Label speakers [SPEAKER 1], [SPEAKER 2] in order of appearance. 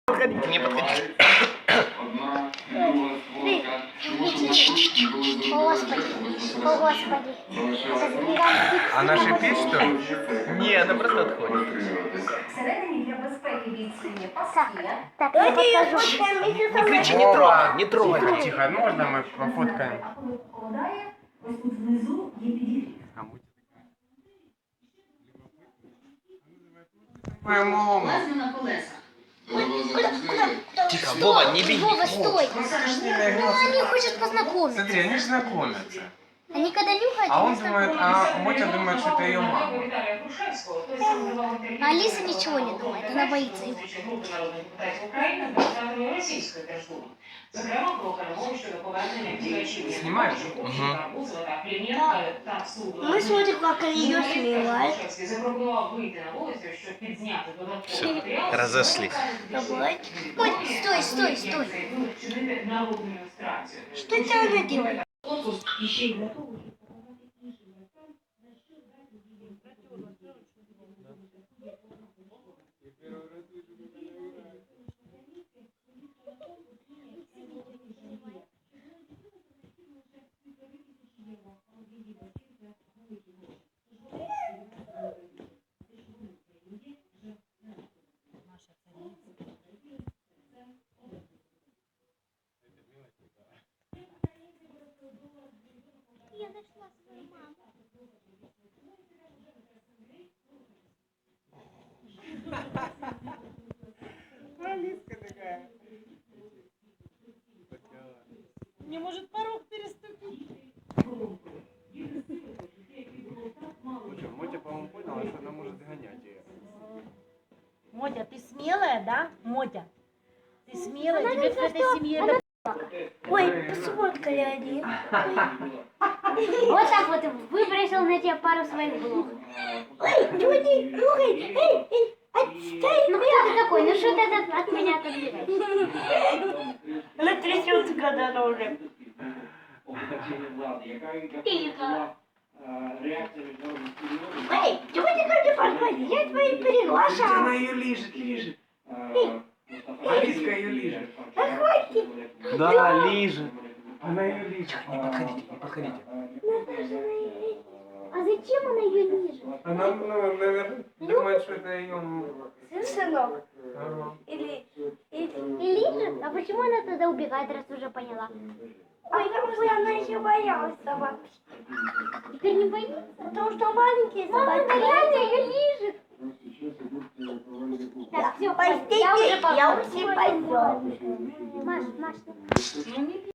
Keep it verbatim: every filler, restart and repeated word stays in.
[SPEAKER 1] подходите, не подходите.
[SPEAKER 2] О, Господи, о, Господи.
[SPEAKER 3] А наша піч, что ли?
[SPEAKER 1] Не, она просто отходит.
[SPEAKER 4] Всередині для безпеки бійці
[SPEAKER 2] Так,
[SPEAKER 4] паски.
[SPEAKER 2] так, я покажу.
[SPEAKER 1] Не кричи, не трогай, не трогай.
[SPEAKER 3] Тихо, тихо, можно мы пофоткаем?
[SPEAKER 4] А коли холодає, ось тут внизу є підігрів.
[SPEAKER 3] Моя мама.
[SPEAKER 4] Лазю на колесах.
[SPEAKER 1] Тихо, Вова, не беги.
[SPEAKER 2] Вова, стой.
[SPEAKER 3] Ну, скажи, не
[SPEAKER 2] Ну,
[SPEAKER 3] игрался.
[SPEAKER 2] они хотят познакомиться.
[SPEAKER 3] Смотри, они же знакомятся.
[SPEAKER 2] Они когда нюхают,
[SPEAKER 3] А
[SPEAKER 2] они
[SPEAKER 3] он думает,
[SPEAKER 2] знакомятся.
[SPEAKER 3] а Мотя думает, что это ее мама.
[SPEAKER 2] А Алиса ничего не думает, она боится его.
[SPEAKER 3] Снимаешь?
[SPEAKER 2] Мы смотрим, как ее снимают.
[SPEAKER 1] Все, разошлись.
[SPEAKER 2] Давай. Ой, стой, стой, стой. Что это она делает? Я нашла свою маму.
[SPEAKER 3] Алиска такая.
[SPEAKER 5] Не может порог переступить.
[SPEAKER 3] Мотя, по-моему, поняла, что она может гонять ее.
[SPEAKER 5] Мотя, ты смелая, да? Мотя, ты смелая, тебе в этой семье это...
[SPEAKER 2] Ой, посмотрели они. Вот так вот выбросил на тебя пару своих блох. Ой, люди, слушай, эй, эй, отстань. Ну кто ты такой? Ну что ты от, от меня отодвигаешь?
[SPEAKER 5] Она трясется, когда она уже...
[SPEAKER 2] Тихо. Эй, чего ты ко мне подходишь? Я твои приглашаю.
[SPEAKER 3] Она ее лижет, лижет. Алиска ее лижет.
[SPEAKER 2] Да хватит.
[SPEAKER 1] Да, лижет.
[SPEAKER 3] Она ее лижет.
[SPEAKER 1] Не подходите, не подходите.
[SPEAKER 2] А зачем она ее лижет?
[SPEAKER 3] Она, ну, наверное, думает, что это ее...
[SPEAKER 2] Сынок.
[SPEAKER 3] Ага.
[SPEAKER 2] Или, или, и лижет? А почему она тогда убегает, раз уже поняла? Ой, какой она еще боялась собак. Теперь не боится? Потому что маленькие собаки. Мама, она реально ее лижет. Так, все, я уже пойду. Я уже пойду. Маш, Маш,